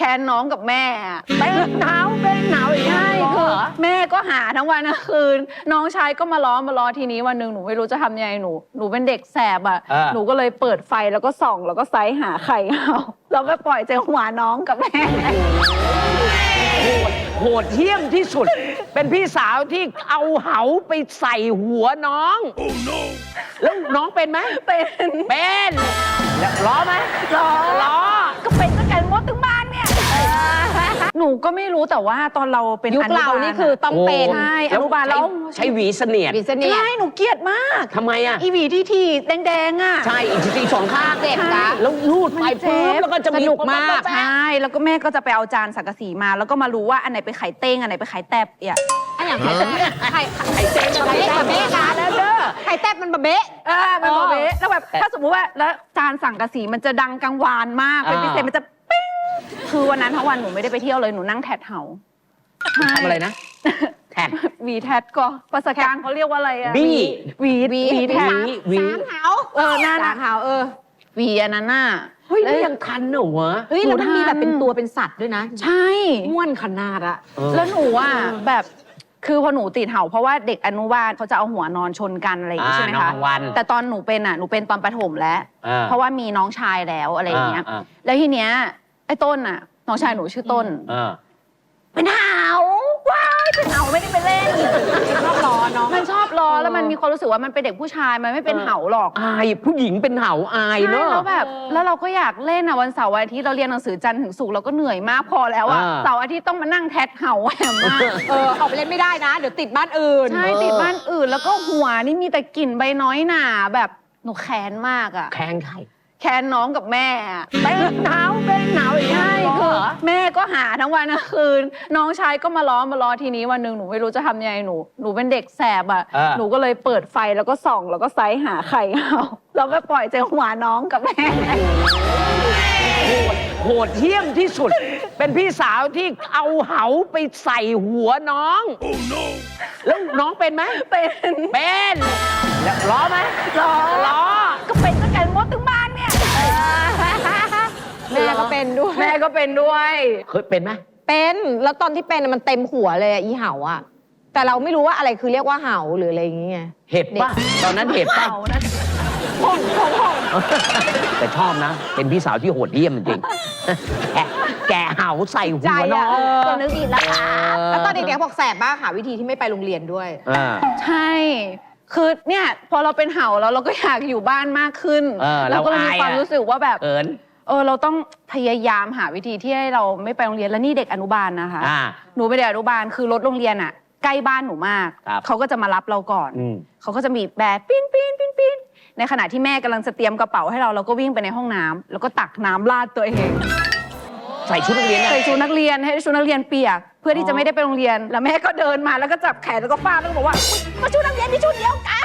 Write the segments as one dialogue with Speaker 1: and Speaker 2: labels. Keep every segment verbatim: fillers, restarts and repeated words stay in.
Speaker 1: ค้นน้องกับแม่
Speaker 2: เป็นหนาวเป็นหนาวอย่างนี้
Speaker 1: ใช่คือแม่ก็หาทั้งวันทั้งคืนน้องชายก็มาล้อมาล้อทีนี้วันหนึ่งหนูไม่รู้จะทำยังไงหนูหนูเป็นเด็กแสบอ่ะหนูก็เลยเปิดไฟแล้วก็ส่องแล้วก็ไซส์หาไข่เอาแล้วก็ปล่อยใจหัวน้องกับแม่
Speaker 2: โหดโหดเหี้ยมที่สุด เป็นพี่สาวที่เอาเหาไปใส่หัวน้อง oh, no. แล้วน้องเป็นไหม
Speaker 1: เป็น
Speaker 2: เป็นแล้วล้อไหม
Speaker 1: ล้อ
Speaker 2: ล้อ
Speaker 1: ก็เป็นตั้งแต่มดถึงบ้านเนี่ยหนูก็ไม่รู้แต่ว่าตอนเราเป็น
Speaker 3: ยุคเรานี่คือต้องเป็น
Speaker 1: ใช่อนุบาลแล้ว
Speaker 2: ใช้หวีเสนียด
Speaker 3: หวีเสนียด
Speaker 1: ใช่หนูเกลียดมาก
Speaker 2: ทำไมอ่ะ
Speaker 1: อีหวีที่ทีแดงๆอ่ะ
Speaker 2: ใช่อีกทีสองข้าง
Speaker 3: เจ็บนะ
Speaker 2: แล้วรูดไปปุ๊บแล้วก็จะ
Speaker 3: สนุกมาก
Speaker 1: ใช่แล้วก็แม่ก็จะไปเอาจานสังกะสีมาแล้วก็มารู้ว่าอันไหนเป็นไข่เต้งอันไหนเป็นไข่แตบอ่ะ
Speaker 3: อันอย่างไข่ไข่ไข่เต้ไข่เต้บะเบ๊ะนะแล้วเด้อไข่แตบมันบะเบ๊ะ
Speaker 1: เออมันบะเบ๊ะแล้วแบบถ้าสมมติว่าแล้วจานสังกะสีมันจะดังกังวานมากเป็นพิเศษมันจะปิ้งคือวันนั้นทั้งวันหนูไม่ได้ไปเที่ยวเลยหนูนั่งแทดเหา
Speaker 2: ทำอะไรนะแท็ด
Speaker 1: วีแทดก็ภาษากลางเขาเรียกว่าอะไรอะ
Speaker 2: บี
Speaker 1: วีวีแทด
Speaker 2: วี
Speaker 3: สามเหา
Speaker 1: เออหน้า
Speaker 3: สามเหาเออ
Speaker 1: วีอันนั้นน่ะ
Speaker 2: เฮ้ยแล้วยังทันเหรอวะ
Speaker 3: เฮ้ยแล้วมันมีแบบเป็นตัวเป็นสัตว์ด้วยนะ
Speaker 1: ใช่
Speaker 3: ม้วนขนาดอะ
Speaker 1: แล้วหนูอ่ะแบบคือพอหนูติดเห่าเพราะว่าเด็กอนุบาลเขาจะเอาหัวนอนชนกันอะไรอย่างนี้ใช่ไหมคะแต่ตอนหนูเป็นอ่ะหนูเป็นตอนประถมแล้วเพราะว่ามีน้องชายแล้วอะไรอย่างเงี้ยแล้วทีเนี้ยไอ้ต้นอ่ะน้องชายหนูชื่อต้นเป็นเห่าว้ายเป็นเห่าไม่ได้ไปเล่น
Speaker 3: ชอบล้อเนาะ
Speaker 1: มันชอบล้อแล้วมันมีความรู้สึกว่ามันเป็นเด็กผู้ชายมันไม่เป็นเห่าหรอก
Speaker 2: อายผู้หญิงเป็นเห่าอายเนอะ
Speaker 1: แล้วแบบแล้วเราก็อยากเล่นอ่ะวันเสาร์วันอาทิตย์เราเรียนหนังสือจันทร์ถึงศุกร์เราก็เหนื่อยมากพอแล้วอ่ะเสาร์อาทิตย์ต้องมานั่งแทดเห่าแหมมาก
Speaker 3: เออออกไปเล่นไม่ได้นะเดี๋ยวติดบ้านอื่น
Speaker 1: ใช่ติดบ้านอื่นแล้วก็หัวนี่มีแต่กลิ่นใบน้อยหนาแบบหนูแค้นมากอ่ะ
Speaker 2: แค้นใคร
Speaker 1: แค้นน้องกับแม่
Speaker 2: เป็นหนาวเป็นหนาวอย่างนี้
Speaker 1: ใช่คือแม่ก็หาทั้งวันทั้งคืนน้องชายก็มาล้อมาล้อทีนี้วันหนึ่งหนูไม่รู้จะทำยังไงหนูหนูเป็นเด็กแสบอ่ะหนูก็เลยเปิดไฟแล้วก็ส่องแล้วก็ไซส์หาไข่เอาแล้วก็ปล่อยใจหัวน้องกับแม่
Speaker 2: โหดโหดเหี้ยมที่สุด เป็นพี่สาวที่เอาเหาไปใส่หัวน้อง oh, no. แล้วน้องเป็นไหม
Speaker 1: เป็น
Speaker 2: เป็นแล้วล้อไหม
Speaker 1: ล้อ
Speaker 2: ล้อ
Speaker 1: ก็เป็นตั้งแต่มดถึงบ้านเนี่ย
Speaker 3: แม่ก็เป็นด้วย
Speaker 1: แม่ก็เป็นด้วย
Speaker 2: เคยเป็นไหม
Speaker 3: เป็นแล้วตอนที่เป็นมันเต็มหัวเลยอีเห่าอะแต่เราไม่รู้ว่าอะไรคือเรียกว่าเห่าหรืออะไรอย่างเงี้ย
Speaker 2: เห็บป่ะตอนนั้นเห็บป่ะ
Speaker 1: ห้องห้องห้อง
Speaker 2: แต่ชอบนะเป็นพี่สาวที่โหดเหี้ยมจริงแกแกเห่าใส่หัวน้อง
Speaker 1: ก็นึกอีกแล้วค่ะ
Speaker 3: แล้วตอนเด็กๆบอกแสบมากค่ะวิธีที่ไม่ไปโรงเรียนด้วย
Speaker 1: ใช่คือเนี่ยพอเราเป็นเห่าแล้วเราก็อยากอยู่บ้านมากขึ้นเราก็มีความรู้สึกว่าแบบเออเราต้องพยายามหาวิธีที่ให้เราไม่ไปโรงเรียนแล้วนี่เด็กอนุบาลนะคะหนูไปเด็กอนุบาลคือรถโรงเรียนอ่ะใกล้บ้านหนูมากเขาก็จะมารับเราก่อนเขาก็จะมีแบบปีนปีนปีนปีนในขณะที่แม่กำลังจะเตรียมกระเป๋าให้เราเราก็วิ่งไปในห้องน้ำแล้วก็ตักน้ำราดตัวเอง
Speaker 2: ใส่ชุดนักเรียน
Speaker 1: ใส่ชุดนักเรียนให้ชุดนักเรียนเปียกเพื่อที่จะไม่ได้ไปโรงเรียนแล้วแม่ก็เดินมาแล้วก็จับแขนแล้วก็ฟาดแล้วก็บอกว่ามาชุดนักเรียนที่ชุดเดียวกัน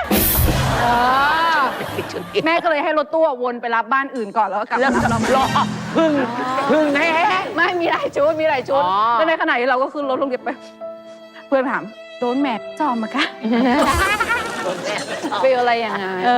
Speaker 1: แม่ก็เลยให้รถตู้วนไปรับบ้านอื่นก่อนแล้วก็กลับมารับเรา
Speaker 2: รอพึ่งพึ่งแห้ง
Speaker 1: ไม่มีหลายชุดมีหลายชุดแล้วในขณะที่เราก็ขึ้นรถโรงเรียนไปเพื่อนถามโดนแม่จอมมาค่ะเป็นอะไรยังไง